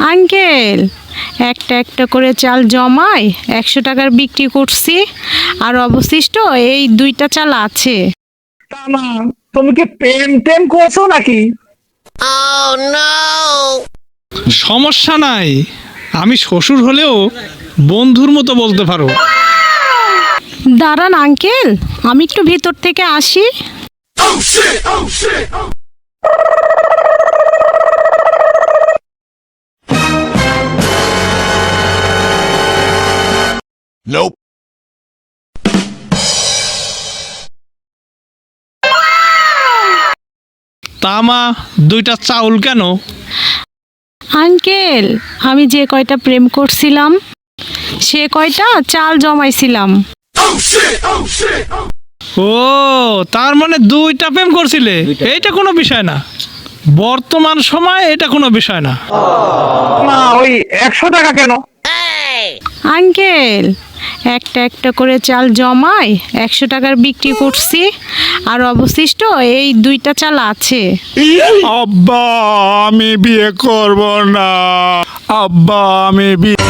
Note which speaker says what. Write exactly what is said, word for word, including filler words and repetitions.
Speaker 1: Uncle, একটা একটা করে চাল জমাই একশো টাকার বিক্রি করছি, আর অবশিষ্ট এই দুইটা চাল আছে।
Speaker 2: তা না, তুমি কি প্রেম টেম করছো নাকি?
Speaker 3: সমস্যা নাই, আমি শ্বশুর হলেও বন্ধুর মতো বলতে পারো।
Speaker 1: দাঁড়ান আঙ্কেল, আমি একটু ভিতর থেকে আসি।
Speaker 4: Nope.
Speaker 3: তামা, দুইটা চাউল কেন?
Speaker 1: আঙ্কেল, আমি যে কয়টা প্রেম করছিলাম সে কয়টা চাল জমাইছিলাম।
Speaker 3: ও, তার মানে দুইটা প্রেম করছিলে, এইটা কোনো বিষয় না। বর্তমান সময় এটা কোনো বিষয় না।
Speaker 2: না, ওই একশো টাকা কেন?
Speaker 1: আঙ্কেল, একটা একটা করে চাল জমাই একশো টাকার বিক্রি করছি, আর অবশিষ্ট এই দুইটা চাল আছে।
Speaker 4: আব্বা, আমি বিয়ে করব না। আব্বা, আমি বিয়ে